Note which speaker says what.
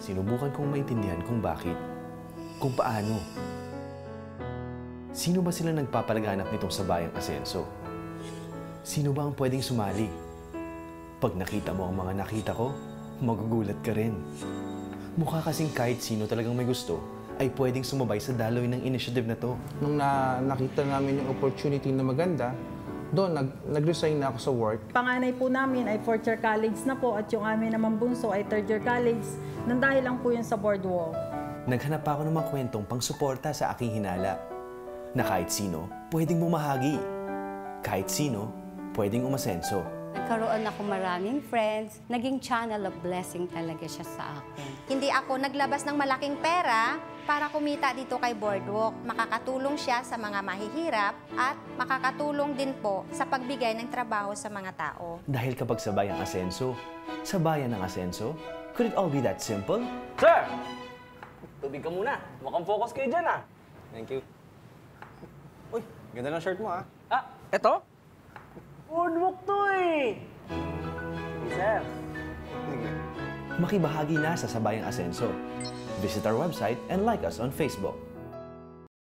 Speaker 1: sinubukan kong maintindihan kung bakit, kung paano. Sino ba sila nagpapalaganap nitong sabayang asenso? Sino ba ang pwedeng sumali? Pag nakita mo ang mga nakita ko, magugulat ka rin. Mukha kasing kahit sino talagang may gusto ay pwedeng sumabay sa daloy ng initiative na to.
Speaker 2: Nung nakita namin yung opportunity na maganda, doon nag-resign na ako sa work.
Speaker 3: Panganay po namin ay 4th year college na po at yung amin naman bunso ay 3rd year college. Nang dahil lang po yun sa boardwalk.
Speaker 1: Naghanap ako ng mga kwentong pang-suporta sa aking hinala. Na kahit sino, pwedeng bumahagi. Kahit sino, pwedeng umasenso.
Speaker 4: Nagkaroon ako maraming friends. Naging channel of blessing talaga siya sa akin.
Speaker 5: Hindi ako naglabas ng malaking pera para kumita dito kay Boardwalk. Makakatulong siya sa mga mahihirap at makakatulong din po sa pagbigay ng trabaho sa mga tao.
Speaker 1: Dahil kapag sabay ang asenso, sabayan ang asenso, could it all be that simple?
Speaker 6: Sir! Tubig ka muna. Mukhang focus kayo dyan, ah.
Speaker 2: Thank you. Uy, ganda ng shirt mo, ha?
Speaker 6: Ah, eto? Boardwalk to, eh. Sige, sir.
Speaker 1: Makibahagi na sa sabayang asenso. Visit our website and like us on Facebook.